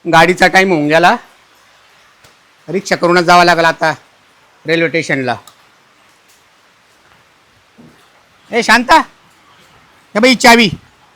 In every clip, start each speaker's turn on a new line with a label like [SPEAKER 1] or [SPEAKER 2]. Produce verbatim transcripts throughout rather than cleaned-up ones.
[SPEAKER 1] गाडीचा टाइम होऊन गेला. रिक्षा करूनच जावं लागलं आता रेल्वे स्टेशनला. ए शांता, हे बाई चावी.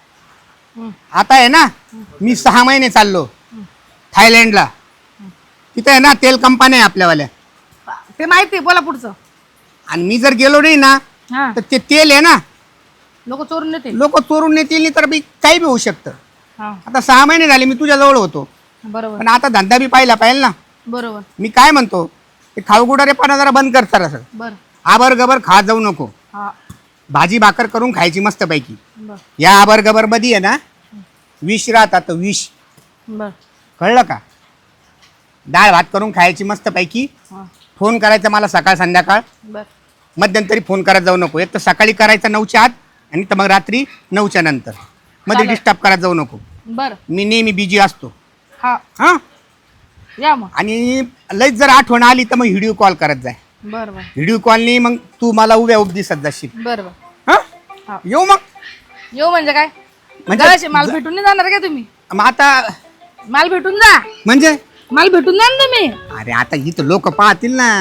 [SPEAKER 1] आता आहे ना, मी सहा महिने चाललो थायलंडला. तिथे आहे ना तेल कंपनी आहे आपल्यावाल्या.
[SPEAKER 2] ते माहिती आहे, बोला पुढचं.
[SPEAKER 1] आणि मी जर गेलो नाही ना
[SPEAKER 2] हा,
[SPEAKER 1] तर ते तेल आहे ना
[SPEAKER 2] लोक चोरून नेते.
[SPEAKER 1] लोक चोरून नेतील नाही तर बी काही बी होऊ शकतं.
[SPEAKER 2] हा,
[SPEAKER 1] आता सहा महिने झाले मी तुझ्या जवळ होतो,
[SPEAKER 2] बरोबर
[SPEAKER 1] पण आता धंदा बी पाहिला पाहिजे ना.
[SPEAKER 2] बरोबर
[SPEAKER 1] मी काय म्हणतो, ते खाऊगुडारे पण जरा बंद कर सर. असं
[SPEAKER 2] बर.
[SPEAKER 1] आबर गबर खात जाऊ नको.
[SPEAKER 2] हा,
[SPEAKER 1] भाजी भाकर करून खायची मस्त पैकी.
[SPEAKER 2] बर
[SPEAKER 1] या आबर गबर मध्ये आहे ना विष राहतात, विष.
[SPEAKER 2] बर.
[SPEAKER 1] कळलं का? डाळ भात करून खायची मस्त पैकी.
[SPEAKER 2] हा,
[SPEAKER 1] फोन करायचा मला सकाळ संध्याकाळ.
[SPEAKER 2] बर
[SPEAKER 1] मध्यंतरी फोन करत जाऊ नको. एक तर सकाळी करायचा नऊच्या आत आणि तर मग रात्री नऊच्या नंतर. मध्ये
[SPEAKER 2] चालेल.
[SPEAKER 1] डिस्टर्ब करत जाऊ नको.
[SPEAKER 2] बर.
[SPEAKER 1] मी नेहमी बिजी असतो.
[SPEAKER 2] हा,
[SPEAKER 1] हां,
[SPEAKER 2] या मग.
[SPEAKER 1] आणि लईच जर आठवण आली तर मग व्हिडिओ कॉल करत जाय.
[SPEAKER 2] बर बर
[SPEAKER 1] व्हिडिओ कॉलनी मग तू मला उभ्या उभ दिसत जाशील.
[SPEAKER 2] बर बर.
[SPEAKER 1] हां,
[SPEAKER 2] हा.
[SPEAKER 1] येऊ मग.
[SPEAKER 2] येऊ म्हणजे काय?
[SPEAKER 1] म्हणजे
[SPEAKER 2] जराशी माल भेटून नाही जाणार का तुम्ही?
[SPEAKER 1] मग आता
[SPEAKER 2] माल भेटून जा.
[SPEAKER 1] म्हणजे
[SPEAKER 2] माल भेटून जा ना तुम्ही.
[SPEAKER 1] अरे आता इथं लोक पाहतील ना.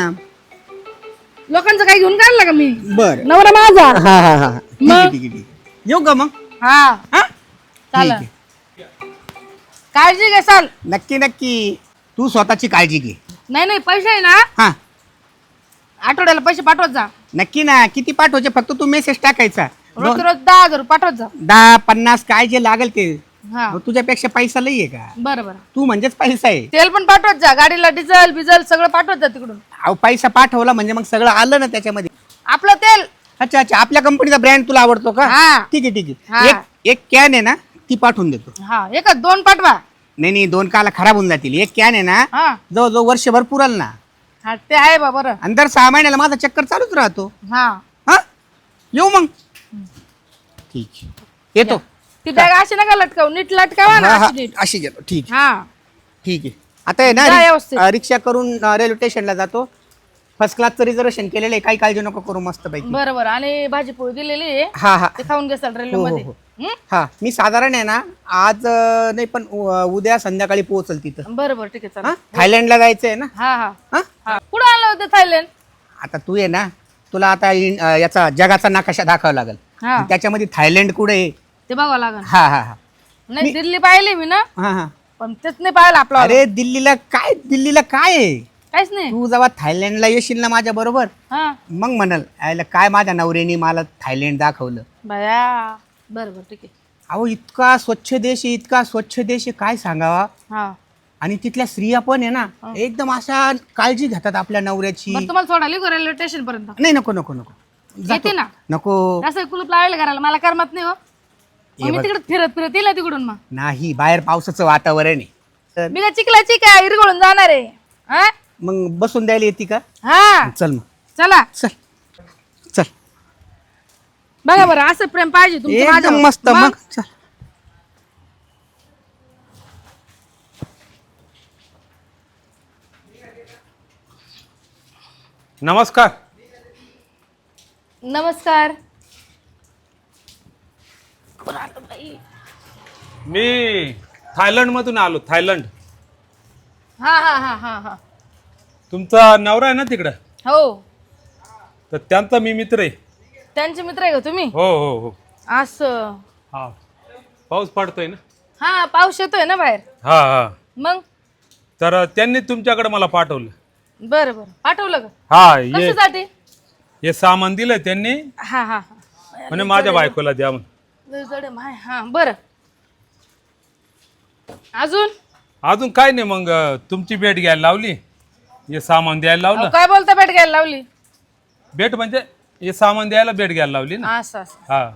[SPEAKER 2] लोकांचं काही घेऊन काढलं का मी?
[SPEAKER 1] बर.
[SPEAKER 2] नवरा माझा.
[SPEAKER 1] हा हा हा ठीक आहे
[SPEAKER 2] मग?
[SPEAKER 1] ठीक आहे ठीक आहे. येऊ का मग?
[SPEAKER 2] हा,
[SPEAKER 1] हा ठीक
[SPEAKER 2] चालेल.
[SPEAKER 1] आहे.
[SPEAKER 2] काळजी घेसाल.
[SPEAKER 1] नक्की नक्की. तू स्वतःची काळजी घे.
[SPEAKER 2] नाही नाही, पैसे आहे ना,
[SPEAKER 1] हा
[SPEAKER 2] आठवड्याला पैसे पाठवत जा.
[SPEAKER 1] नक्की ना. किती पाठवायचे? फक्त तू मेसेज टाकायचा.
[SPEAKER 2] रोज
[SPEAKER 1] दोन-
[SPEAKER 2] रोज दहा हजार पाठवत जा.
[SPEAKER 1] दहा पन्नास काय जे लागेल ते.
[SPEAKER 2] हा,
[SPEAKER 1] मग तुझ्यापेक्षा पैसा लई आहे का?
[SPEAKER 2] बरं बरं.
[SPEAKER 1] तू म्हणजेच पैसा आहे.
[SPEAKER 2] तेल पण पाठवत जा, गाडीला डिझेल बिझेल सगळं पाठवत जा तिकडून.
[SPEAKER 1] अहो पैसा पाठवला म्हणजे मग सगळं आलं ना त्याच्यामध्ये.
[SPEAKER 2] आपलं तेल.
[SPEAKER 1] अच्छा अच्छा. आपल्या कंपनीचा ब्रँड तुला आवडतो का?
[SPEAKER 2] हा.
[SPEAKER 1] ठीक आहे ठीक
[SPEAKER 2] हा.
[SPEAKER 1] आहे. एक एक कॅन आहे ना ती पाठवून देतो.
[SPEAKER 2] हा, एकच दोन पाठवा.
[SPEAKER 1] नाही नाही, दोन काला खराब होऊन जातील. एक कॅन आहे ना
[SPEAKER 2] हा
[SPEAKER 1] जवळजवळ वर्षभर पुरल ना.
[SPEAKER 2] हा, ते आहे बा. बरं.
[SPEAKER 1] आणि दर सहा महिन्याला माझा चक्कर चालूच राहतो.
[SPEAKER 2] हा,
[SPEAKER 1] हा येऊ मग. ठीक आहे. येतो.
[SPEAKER 2] ती बॅग अशी नका लटकावू, नीट लटकावा ना,
[SPEAKER 1] हा, हा,
[SPEAKER 2] अशी नीट.
[SPEAKER 1] अशी घेतो. ठीक
[SPEAKER 2] हा,
[SPEAKER 1] ठीक आहे. आता आहे ना
[SPEAKER 2] जा
[SPEAKER 1] रि-
[SPEAKER 2] व्यवस्थित.
[SPEAKER 1] अ, रिक्षा करून अ, रेल्वे स्टेशनला जातो. फर्स्ट क्लासचं रिझर्वेशन केलेलं आहे. काही काळजी नको करू. मस्त पैकी.
[SPEAKER 2] बरं बरं. आणि भाजी पोळी दिलेली आहे,
[SPEAKER 1] हा हा
[SPEAKER 2] ते खाऊन घेसाल रेल्वे
[SPEAKER 1] हो, हो,
[SPEAKER 2] मध्ये.
[SPEAKER 1] हो.
[SPEAKER 2] हं?
[SPEAKER 1] हा मी साधारण आहे ना आज अ, नाही पण उ- उद्या संध्याकाळी पोहोचल तिथं.
[SPEAKER 2] बरं बरं, ठीक आहे,
[SPEAKER 1] हा
[SPEAKER 2] चालेल.
[SPEAKER 1] थायलंडला जायचं आहे ना.
[SPEAKER 2] हा हा
[SPEAKER 1] हा
[SPEAKER 2] हा. कुठं आलं होतं थायलंड?
[SPEAKER 1] आता तू आहे ना, तुला आता इन- अ, याचा जगाचा नकाशा दाखवावा लागेल.
[SPEAKER 2] हा,
[SPEAKER 1] त्याच्यामध्ये थायलंड कुठे आहे?
[SPEAKER 2] ते बघावं लागेल.
[SPEAKER 1] हा हा हा
[SPEAKER 2] नाही, दिल्ली पाहिली मी ना,
[SPEAKER 1] हा हा.
[SPEAKER 2] पण तेच नाही पाहिलं आपलं.
[SPEAKER 1] अरे दिल्लीला काय, दिल्लीला काय आहे?
[SPEAKER 2] काहीच नाही.
[SPEAKER 1] तू जेव्हा थायलंडला येशील ना माझ्या बरोबर,
[SPEAKER 2] हा,
[SPEAKER 1] मग म्हणाल आयला काय माझ्या नवऱ्याने मला थायलंड दाखवलं.
[SPEAKER 2] बया. बरं बरं, ठीक आहे.
[SPEAKER 1] अहो इतका स्वच्छ देश आहे, इतका स्वच्छ देश आहे, काय सांगावा.
[SPEAKER 2] हा,
[SPEAKER 1] आणि तिथल्या स्त्रिया पण आहे ना एकदम अशा काळजी घेतात आपल्या नवऱ्याची.
[SPEAKER 2] बरं, तुम्हाला सोडायला येऊ का रेल्वे स्टेशन पर्यंत?
[SPEAKER 1] नाही नको नको नको. जातो.
[SPEAKER 2] येते ना.
[SPEAKER 1] नको.
[SPEAKER 2] असं कुलूप लावायला घराला मला करमत नाही हो. मग
[SPEAKER 1] ये
[SPEAKER 2] मी
[SPEAKER 1] बघ.
[SPEAKER 2] तिकडे फिरत फिरत येईल ना तिकडून. मग
[SPEAKER 1] नाही, बाहेर पावसाचं वातावरण आहे तर
[SPEAKER 2] मी काय चिखलाची काय इरगळून जाणार आहे? हा?
[SPEAKER 1] मग बसून द्यायला येते का?
[SPEAKER 2] हा,
[SPEAKER 1] चल मग.
[SPEAKER 2] चला.
[SPEAKER 1] चल चल.
[SPEAKER 2] बघा बरं, असं प्रेम पाहिजे तुमचं
[SPEAKER 1] एकदम
[SPEAKER 2] माझ्यावर.
[SPEAKER 1] मस्त. मग चल.
[SPEAKER 3] नमस्कार.
[SPEAKER 2] नमस्कार.
[SPEAKER 3] मी थायलंड मधून आलो. थायलंड.
[SPEAKER 2] हा हा हा हा हा.
[SPEAKER 3] तुमचा नवरा आहे ना तिकडं,
[SPEAKER 2] हो,
[SPEAKER 3] तर त्यांचा मी मित्र आहे.
[SPEAKER 2] त्यांचे मित्र आहे का तुम्ही?
[SPEAKER 3] हो हो हो.
[SPEAKER 2] असं.
[SPEAKER 3] हा, पाऊस पडतोय ना.
[SPEAKER 2] हा, पाऊस येतोय ना बाहेर.
[SPEAKER 3] हा हा.
[SPEAKER 2] मग
[SPEAKER 3] तर त्यांनी तुमच्याकडे मला पाठवलं.
[SPEAKER 2] बरं बरं, पाठवलं का?
[SPEAKER 3] हा, ये
[SPEAKER 2] कशासाठी?
[SPEAKER 3] हे सामान दिलं त्यांनी,
[SPEAKER 2] हा हा हा.
[SPEAKER 3] म्हणे माझ्या बायकोला द्या म्हणून.
[SPEAKER 2] लय जड आहे माय. हा, बरं. अजून
[SPEAKER 3] अजून काय नाही, मग तुमची भेट घ्यायला लावली, हे सामान द्यायला
[SPEAKER 2] अहो,
[SPEAKER 3] लावलं.
[SPEAKER 2] काय बोलता, भेट घ्यायला लावली?
[SPEAKER 3] भेट म्हणजे हे सामान द्यायला भेट घ्यायला लावली ना.
[SPEAKER 2] असं असं.
[SPEAKER 3] हा,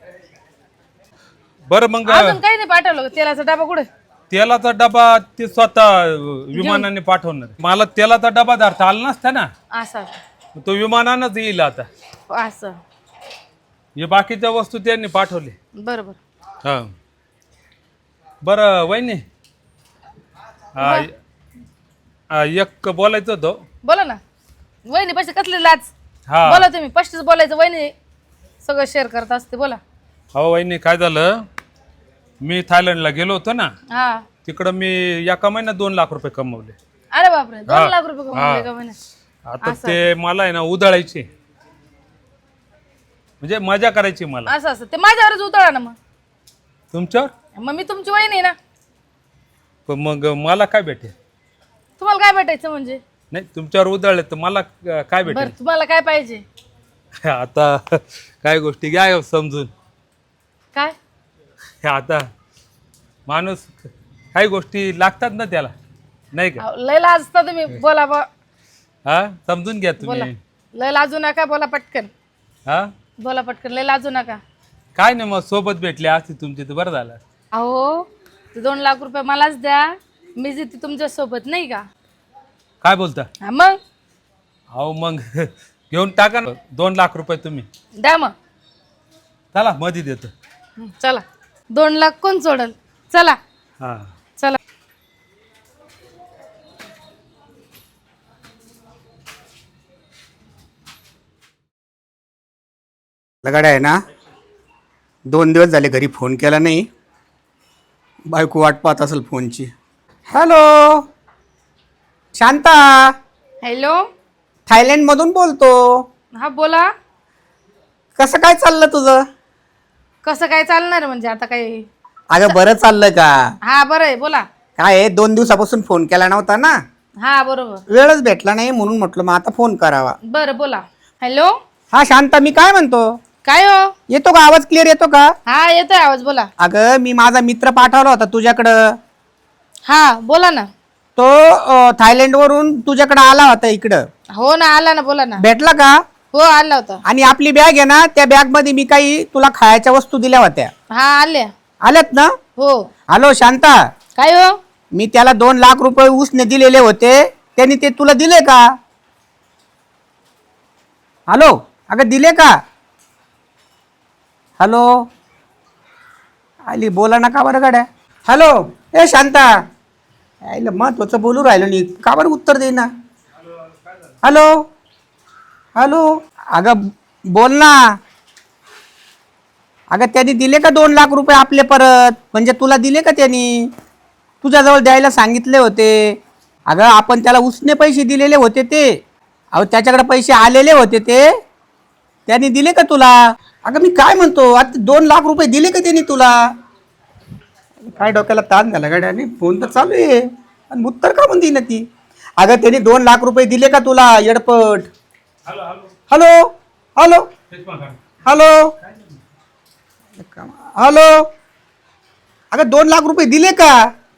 [SPEAKER 3] बरं मग
[SPEAKER 2] अजून काही नाही पाठवलं का? तेलाचा डबा कुठे?
[SPEAKER 3] तेलाचा डबा ते स्वतः विमानाने पाठवणार. मला तेलाचा डबा धरता आला नसता ना,
[SPEAKER 2] असं असं.
[SPEAKER 3] तो विमानानंच येईल. आता
[SPEAKER 2] असं.
[SPEAKER 3] हे बाकीच्या वस्तू त्यांनी पाठवले.
[SPEAKER 2] बरं बरं.
[SPEAKER 3] हा, बरं वहिनी, हा, हा, एक बोलायचं होतं.
[SPEAKER 2] बोला ना. वहिनी पैसे कसले लाज?
[SPEAKER 3] हा,
[SPEAKER 2] बोला तुम्ही. पस्तीस बोलायचं, वहिनी सगळं शेअर करत असते. बोला.
[SPEAKER 3] हो वहिनी, काय झालं, मी थायलंडला गेलो होतो ना,
[SPEAKER 2] हा
[SPEAKER 3] तिकडं मी एका महिन्यात दोन लाख रुपये कमवले.
[SPEAKER 2] अरे बापरे, दोन
[SPEAKER 3] हा.
[SPEAKER 2] लाख रुपये कमवले
[SPEAKER 3] हा.
[SPEAKER 2] का महिन्यात?
[SPEAKER 3] आता ते मला आहे ना उधळायचे, म्हणजे मजा करायची मला.
[SPEAKER 2] असं असं ते माझ्यावरच उतळा ना मग.
[SPEAKER 3] तुमच्यावर
[SPEAKER 2] मग मी तुमची वहिनी आहे ना.
[SPEAKER 3] पण मग मला काय भेटेल?
[SPEAKER 2] तुम्हाला काय भेटायचं म्हणजे?
[SPEAKER 3] नाही, तुमच्यावर उधळले तर मला अं, काय
[SPEAKER 2] बरं
[SPEAKER 3] भेटेल?
[SPEAKER 2] तुम्हाला काय पाहिजे?
[SPEAKER 3] आता काय गोष्टी घ्या समजून.
[SPEAKER 2] काय?
[SPEAKER 3] हे आता माणूस काही गोष्टी लागतात ना त्याला, नाही का?
[SPEAKER 2] अहो, लय लाजता तुम्ही. बोला बा,
[SPEAKER 3] हा, समजून घ्या
[SPEAKER 2] बोला.
[SPEAKER 3] तुम्ही.
[SPEAKER 2] लय लाजू नका, बोला पटकन.
[SPEAKER 3] हा,
[SPEAKER 2] बोला पटकन, लय लाजू नका.
[SPEAKER 3] काय नाही, मग सोबत भेटले असते तुमची तर बरं झालं.
[SPEAKER 2] अहो ते दोन लाख रुपये मलाच द्या, मी जिथे तुमच्या सोबत, नाही का?
[SPEAKER 3] काय बोलता?
[SPEAKER 2] हा मग
[SPEAKER 3] अहो मग घेऊन टाका ना दोन लाख रुपये तुम्ही.
[SPEAKER 2] द्या मग.
[SPEAKER 3] चला मध्ये देतो.
[SPEAKER 2] हं, चला. दोन लाख कोण सोडल? चला
[SPEAKER 3] हा,
[SPEAKER 2] चला.
[SPEAKER 1] लगाड्या आहे ना, दोन दिवस झाले घरी फोन केला नाही. बायको वाट पाहत असेल फोनची. Hello Shanta,
[SPEAKER 2] hello.
[SPEAKER 1] थायलंडमधून बोलतो.
[SPEAKER 2] हा बोला.
[SPEAKER 1] कसं काय चाललं तुझं?
[SPEAKER 2] कसं काय चालणार म्हणजे आता काय?
[SPEAKER 1] अगं बरं चाललं का?
[SPEAKER 2] हा बरं आहे, बोला.
[SPEAKER 1] काय आहे, दोन दिवसापासून फोन केला नव्हता ना,
[SPEAKER 2] हा बरोबर.
[SPEAKER 1] वेळच भेटला नाही म्हणून म्हटलं मग आता फोन करावा.
[SPEAKER 2] बरं बोला. हॅलो.
[SPEAKER 1] हा शांता, मी काय म्हणतो,
[SPEAKER 2] काय हो?
[SPEAKER 1] येतो का आवाज? क्लिअर येतो का?
[SPEAKER 2] हा येतोय आवाज, बोला.
[SPEAKER 1] अगं मी माझा मित्र पाठवला होता तुझ्याकडं.
[SPEAKER 2] हा बोला ना.
[SPEAKER 1] तो अं, थायलंडवरून तुझ्याकडे आला होता इकडं.
[SPEAKER 2] हो ना, आला ना, बोला ना.
[SPEAKER 1] भेटला का?
[SPEAKER 2] हो आला होता.
[SPEAKER 1] आणि आपली बॅग आहे ना, त्या बॅग मध्ये मी काही तुला खायच्या वस्तू दिल्या होत्या.
[SPEAKER 2] हा आले.
[SPEAKER 1] आल्यात ना?
[SPEAKER 2] हो.
[SPEAKER 1] हॅलो शांता,
[SPEAKER 2] काय हो?
[SPEAKER 1] मी त्याला दोन लाख रुपये उसने दिलेले होते, त्यांनी ते तुला दिले का? हॅलो, अगं दिले का? हॅलो, आली बोला ना का बरं गाड्या. हॅलो ए शांता, आईला महत्वाचं बोलू राहिलो नाही, का बरं उत्तर दे ना. हॅलो हॅलो, अगं बोल ना. अगं त्यांनी दिले का दोन लाख रुपये आपले परत? म्हणजे तुला दिले का त्यांनी? तुझ्याजवळ द्यायला सांगितले होते. अगं आपण त्याला उसने पैसे दिलेले होते ते. अहो त्याच्याकडे पैसे आलेले होते ते, त्यांनी दिले का तुला? अगं मी काय म्हणतो, आता दोन लाख रुपये दिले का त्यांनी तुला? काय डोक्याला ताण झाला गाड्याने, फोन तर चालू आहे आणि उत्तर का म्हणते ना ती. अगं त्यांनी दोन लाख रुपये दिले का तुला येडपट? हॅलो हॅलो हॅलो हॅलो, अगं दोन लाख रुपये दिले का?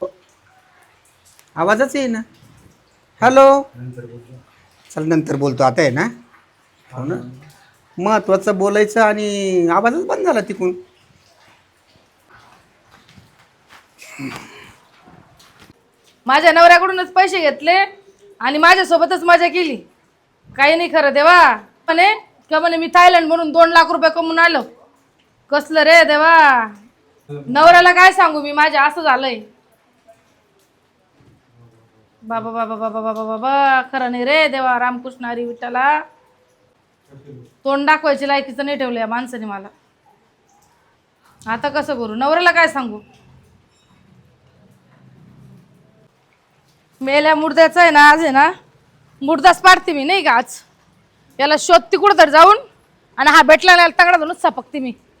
[SPEAKER 1] आवाजच आहे ना. हॅलो, चल नंतर बोलतो, आता आहे ना. हो ना, महत्वाचं बोलायचं आणि आवाजच बंद झाला तिकून.
[SPEAKER 2] माझ्या नवऱ्याकडूनच पैसे घेतले आणि माझ्यासोबतच मजा केली. काही नाही खरं देवा. म्हणे का म्हणे मी थायलंड म्हणून दोन लाख रुपये कमवून आलो. कसलं रे देवा. नवऱ्याला काय सांगू मी, माझ्या असं झालंय. बाबा बाबा बाबा बाबा बाबा, खरं नाही रे देवा. रामकृष्ण हरी विठ्ठला, तोंड दाखवायची लायकीचं नाही ठेवलं या माणसाने मला. आता कसं करू, नवऱ्याला काय सांगू? मेल्या मुर्द्याचं आहे ना, आज आहे ना मुर्दाच पाडते मी, नाही का? आज याला शोधते कुठं तर जाऊन, आणि हा भेटला नाही तगडा धरून सपकते मी.